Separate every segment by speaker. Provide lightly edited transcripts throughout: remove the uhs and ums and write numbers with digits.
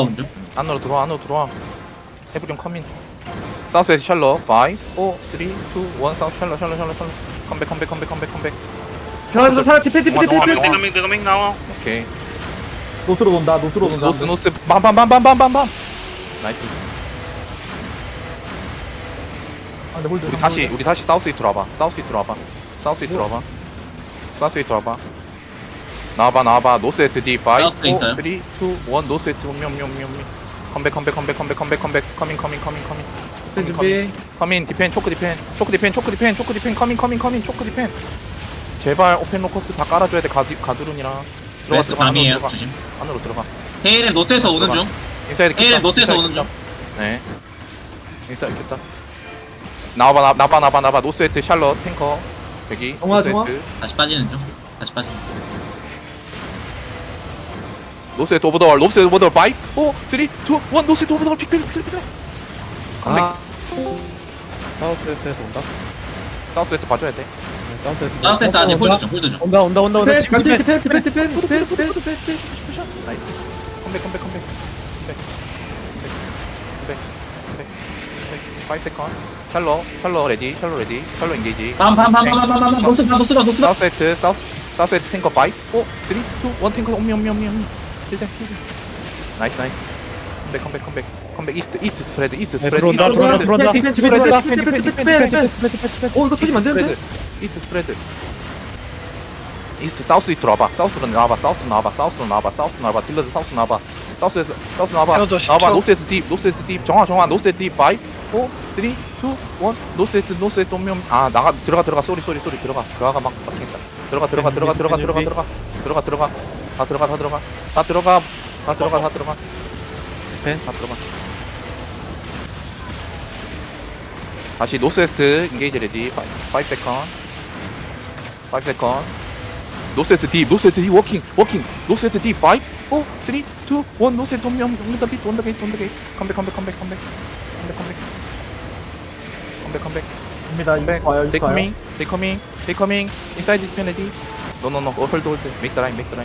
Speaker 1: 먼저.
Speaker 2: 안으로 들어와. 에브리온 커민. 사우스에서 샬러 5 4 3 2 1 사우스 샬러 컴백.
Speaker 3: 사라 디펜
Speaker 4: Coming now.
Speaker 2: 오케이.
Speaker 3: 노스로 돈다
Speaker 2: 노스 밤 나이스. 우리 다시 사우스 이트로 와봐. 나와봐. 노스 에트 D 5 4
Speaker 1: 사우스
Speaker 2: 3 2
Speaker 1: 있어요?
Speaker 2: 1 노스 에트 컴백 커밍
Speaker 3: 디펜 준비
Speaker 2: 커민 디펜 초크 디펜 커민 제발 오펜 로커스 다 깔아줘야 돼. 가두룬이랑
Speaker 1: 웨스트 밤이에요. 조심.
Speaker 2: 안으로 들어가.
Speaker 1: 헤일은 노스에서 오는 중.
Speaker 2: 인사이드
Speaker 1: 헤일은
Speaker 2: 켰다.
Speaker 1: 노스에서 오는 중.
Speaker 2: 네. 인사이드 켰다. 나와봐. 노스웨트 샬럿 탱커 여기.
Speaker 3: 정화.
Speaker 1: 다시 빠지는 중.
Speaker 2: 노스웨트 오버더월 5 4 3 2 1 노스웨트 오버더월 픽필 컴백.
Speaker 3: 사우스에서 온다
Speaker 2: 사우스웨트 봐줘야 돼.
Speaker 1: 사우스에서 아직 홀드 중.
Speaker 3: 온다 디펜
Speaker 2: 나이스. 컴백. 5 세컨. 샬러 레디. 샬러 엔게이지.
Speaker 1: 노스.
Speaker 2: 사우스웨트 탱커 5 4 3 2 1 탱커 옴미. 힐대. 나이스. 컴백 이스트 스프레드.
Speaker 3: 들어온다. 이거 터지면 안 되는데?
Speaker 2: 이스트 스프레드. 이스트 사우스 이트로 와봐. 사우스로 나와봐. 딜러드 사우스 나와봐. 사우스에서 사우스 나와봐. 노스에트 딥. 정화. 노스에트 딥 5 4 3 2 1 노스에트 오면 들어가. 쏘리. 들어가 막 막힌다. 들어가. 다 들어가. 디펜 다 들어가. 다시 노스웨스트 인게이지 레디 5 세컨. 노스웨스트 딥 워킹. 노스웨스트 딥 5 4 3 2 1 노스웨스트 온더 게이트. 컴백.
Speaker 3: 입니다
Speaker 2: They coming. Inside this penalty. No. Hold. Make the line.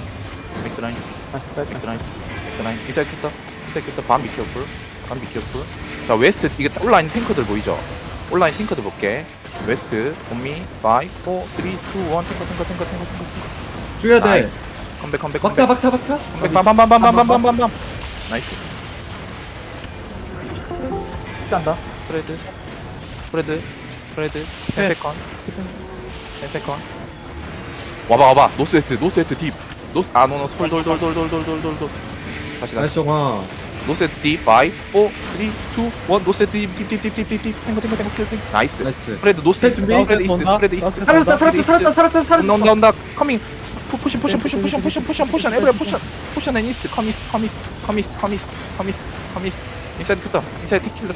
Speaker 2: Inside 큐터. 밤 be careful. 자, 웨스트 이게 온라인 탱커들 보이죠? 온라인 탱커들 볼게. 웨스트, 온미, 5, 4, 3, 2, 1, 탱커.
Speaker 3: 죽여야 돼
Speaker 2: 컴백.
Speaker 3: 박타
Speaker 2: 컴백, 밤. 나이스.
Speaker 3: 간다
Speaker 2: 스프레드. 10 세컨. 와봐. 노스웨스트 딥. 노, 돌. 다시.
Speaker 3: 나이스 정화
Speaker 2: 노세트 D 5 4 3 2 1 노세트 딥 탱커 나이스. 스프레드 노세트 스프레드 이스트
Speaker 3: 살았다
Speaker 2: 온다 커밍 포션 에브리 포션 앤 이스트 커 이스트 인사이드 큐터 인사이드 킬 더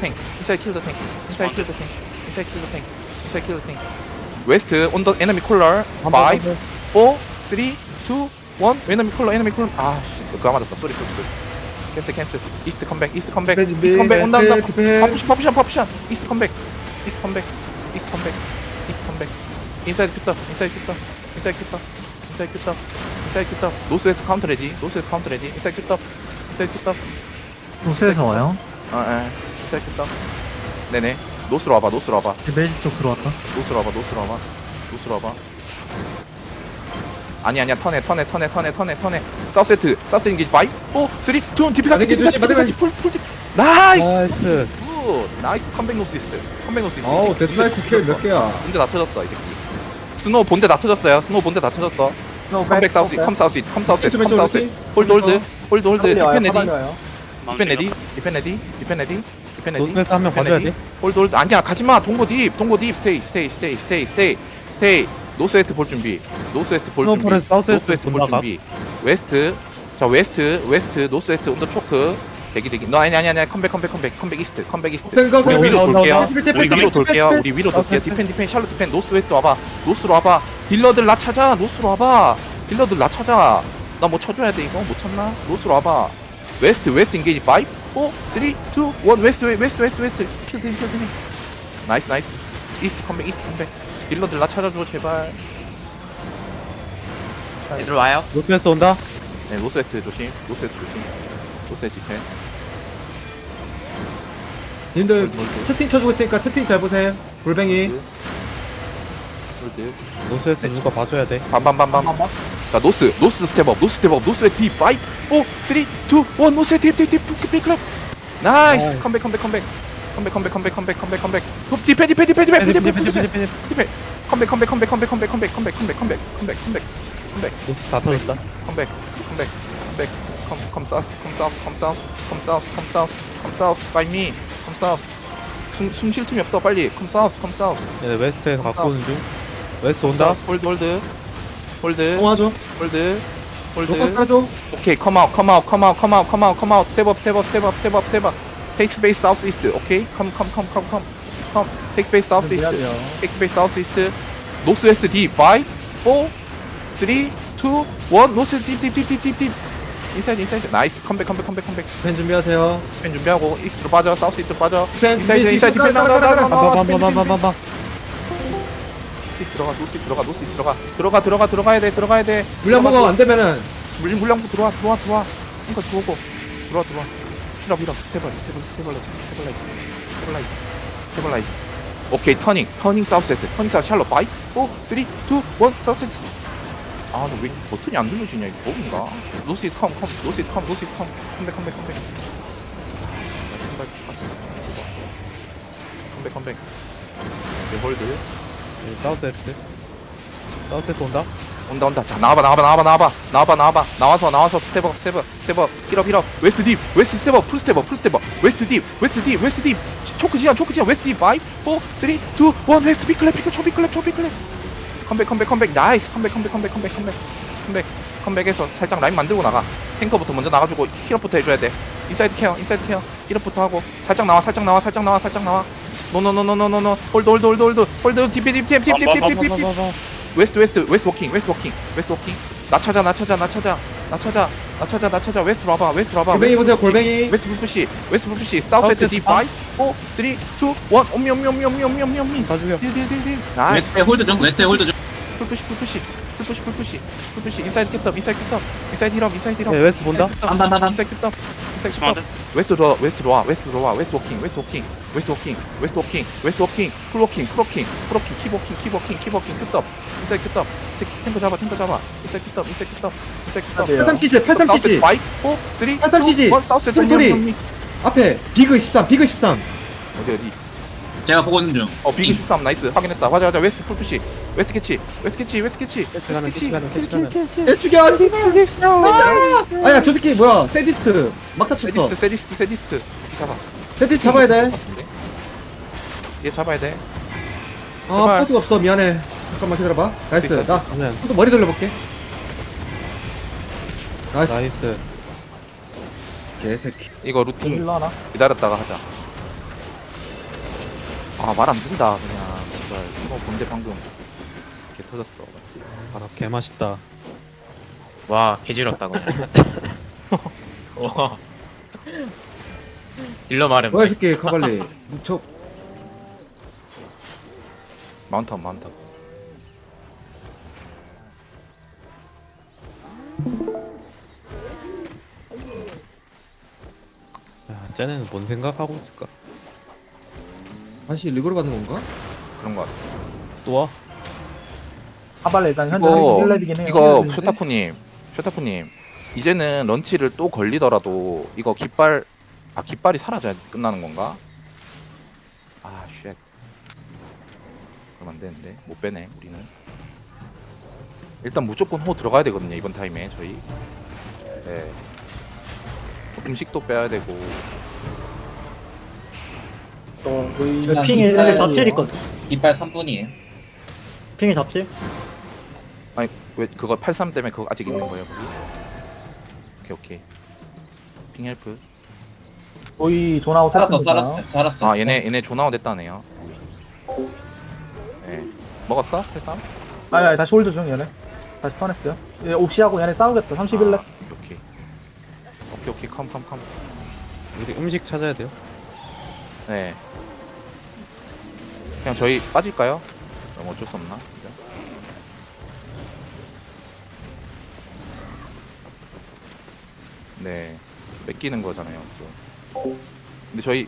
Speaker 2: 탱 웨스트 온 더 에너미 콜러 5 4 3 2 1 에너미 콜러 그거 맞았다. 쏘리. 캔슬. 이스트 컴백. 온다. 퍼션. 이스트 컴백. 인사이드 큐터. 노스웨스트 카운터 레디. 인사이드 큐터.
Speaker 3: 노스에서 와요?
Speaker 2: 인사이드 큐터. 네네. 노스로 와봐.
Speaker 3: 메이지 쪽 들어왔다
Speaker 2: 노스로 와봐. 아니야. 턴에. 사우스 인게이지 5 4 3 2 디피 같이 풀 나이스. 굿. 나이스 컴백 노스 이스트.
Speaker 3: 어우 데스나이프 킬몇 개야
Speaker 2: 본대 다 터졌어 이 새끼. 스노우 본대 다 터졌어요. 컴백 사우스 컴 사우스 홀드 디펜 레디
Speaker 3: 노스에서 한 명 봐줘야 돼
Speaker 2: 홀드 아니야 가지마. 동고 딥 스테이. 노스웨스트 볼 준비. 웨스트. 자, 웨스트 노스웨스트 온더 초크. 대기. 너 아니야. 컴백 이스트. 우리 위로 돌게요. 디펜 샬롯 디펜. 노스웨스트 와봐. 노스로 와봐. 딜러들 나 찾아. 나 뭐 쳐줘야 돼 이거. 못 찾나? 노스로 와봐. 웨스트 인게이지 5 4 3 2 1 웨스트. 킬드. 나이스. 이스트 컴백. 딜러들 나 찾아줘 제발.
Speaker 1: 얘들 와요.
Speaker 3: 노스에서 온다
Speaker 2: 네, 노스웨트 조심. 노스웨트 디펜.
Speaker 3: 님들 채팅 쳐주고 있으니까 채팅 잘 보세요. 골뱅이.
Speaker 2: 홀드.
Speaker 3: 노스에서 누가 봐줘야 돼.
Speaker 2: 밤밤밤밤. 자 노스 스텝업 노스의 D 5 4 3 2 1 노스의 딥 빅클럽. 나이스. 컴백. 디펜. 컴백.
Speaker 3: 노스 다 터졌다.
Speaker 2: 컴백. 컴 사우스 by me. 컴 사우스. 숨 쉴 틈이 없어. 빨리 컴 사우스.
Speaker 3: 얘네 웨스트에서 갖고 오는 중. 웨스트 온다.
Speaker 2: 홀드.
Speaker 3: 통화줘.
Speaker 2: 홀드.
Speaker 3: 로커 따줘.
Speaker 2: 오케이, come out. Step up. Take space southeast. Okay, come. Take space southeast. Northwest D. 5, 4, 3, 2, 1. North deep. Inside. Nice. 컴백.
Speaker 3: 펜 준비하세요.
Speaker 2: 펜 준비하고 이스트로 빠져. 사우스이스트로 빠져.
Speaker 3: 펜
Speaker 2: 인사이드 디펜 나가.
Speaker 3: 빵빵빵빵빵빵.
Speaker 2: 들어가야 돼.
Speaker 3: 물량 먹어 안 되면은
Speaker 2: 물량부 들어와. 그러니까 들어오고. 들어와. 힐업. 스테블라이즈. 오케이, 터닝 사우스 샬롯 5, 4, 3, 2, 1 사우스. 아, 근데 왜 버튼이 안 눌러지냐, 이거 버그인가? 노스 컴. 컴백. 네, 홀드.
Speaker 3: 사우스에스 온다.
Speaker 2: 온다. 자, 나와봐. 나와서 스텝업. 힐업. 웨스트 딥. 풀 스텝업. 웨스트 딥. 초크 지연. 웨스트 딥. 5, 4, 3, 2, 1. 웨스트 빅클랩. 컴백. 나이스. 컴백에서 살짝 라인 만들고 나가. 탱커부터 먼저 나가주고 힐업부터 해줘야 돼. 인사이드 케어. 힐업부터 하고. 살짝 나와. 노. 홀드. 딥. 웨스트 워킹. 나 찾아. 웨스트로 와봐.
Speaker 3: 골뱅이 보세요. 골뱅이.
Speaker 2: 웨스트 불푸시. 사우스 D 5, 4, 3, 2, 1. 옴미.
Speaker 3: 다 죽여.
Speaker 2: 딜. 나이스.
Speaker 1: 웨스트에 홀드 중.
Speaker 2: 풀푸시. 인사이드 캡터. 인사이드 힐업.
Speaker 3: 네, 웨스트 본다.
Speaker 2: 인사이드 캡터. 웨스트로 와. 웨스트 워킹. 풀워킹. 캡터. 인사이드 캡터. 탱커 잡아. 인사이드 캡터.
Speaker 3: 83cc
Speaker 2: 5, 4, 3, 2, 1.
Speaker 3: 83cc.
Speaker 2: 사우스
Speaker 3: 홈토리. 앞에 비그 13.
Speaker 2: 어디?
Speaker 1: 제가 보고 있는 중.
Speaker 2: 비기 13 나이스. 확인했다. 맞아. 웨스트 풀푸시. 웨스트 캐치.
Speaker 3: 캐치 가는.
Speaker 2: 죽여.
Speaker 3: 아야 저 새끼 뭐야? 세디스트 막타 쳤어.
Speaker 2: 세디스트. 잡아.
Speaker 3: 세디스트 잡아야 돼.
Speaker 2: 얘 잡아야 돼.
Speaker 3: 아
Speaker 2: 제발.
Speaker 3: 포즈가 없어. 미안해. 잠깐만 기다려봐. 나이스.
Speaker 2: 있어.
Speaker 3: 나
Speaker 2: 네.
Speaker 3: 또 머리 돌려볼게. 나이스.
Speaker 5: 나이스.
Speaker 3: 개새끼.
Speaker 2: 이거 루팅 기다렸다가 하자. 아, 말 안 된다, 그냥. 정말. 이거 본데 방금. 개 터졌어, 맞지?
Speaker 5: 아, 개 맛있다.
Speaker 6: 와 개지럽다 그냥. 와. 딜러 말은
Speaker 3: 뭐야 이 새끼 카발리. 저
Speaker 2: 마운턴.
Speaker 5: 야, 쟤네는 뭔 생각하고 있을까?
Speaker 3: 다시 리그로 가는 건가?
Speaker 2: 그런 거 같아.
Speaker 5: 또 와?
Speaker 7: 하발레 일단 현재
Speaker 2: 이거,
Speaker 7: 1렙이긴 해요.
Speaker 2: 이거,
Speaker 7: 1렙인데.
Speaker 2: 쇼타쿠님. 이제는 런치를 또 걸리더라도, 이거 깃발이 사라져야 끝나는 건가? 아, 쉣. 그럼 안 되는데. 못 빼네, 우리는. 일단 무조건 호 들어가야 되거든요, 이번 타임에, 저희. 네. 음식도 빼야 되고.
Speaker 7: 저 핑이 애들 잡질 있거든.
Speaker 1: 이빨 3분이에요.
Speaker 7: 핑이 잡질?
Speaker 2: 아니, 왜, 그거 83 때문에 그거 아직 있는 거예요, 거기? 오케이. 핑 헬프.
Speaker 7: 거의 존아웃 했으니까.
Speaker 1: 살았어.
Speaker 2: 아, 얘네 존아웃 됐다네요. 네. 먹었어? 83?
Speaker 7: 아니 다시 홀드 중 얘네. 다시 턴했어요. 얘 옥시하고 얘네 싸우겠다. 31렙.
Speaker 2: 아, 오케이. 컴.
Speaker 5: 우리 음식 찾아야 돼요.
Speaker 2: 네. 그냥 저희 빠질까요? 그럼 어쩔 수 없나? 그죠? 네. 뺏기는 거잖아요. 또. 근데 저희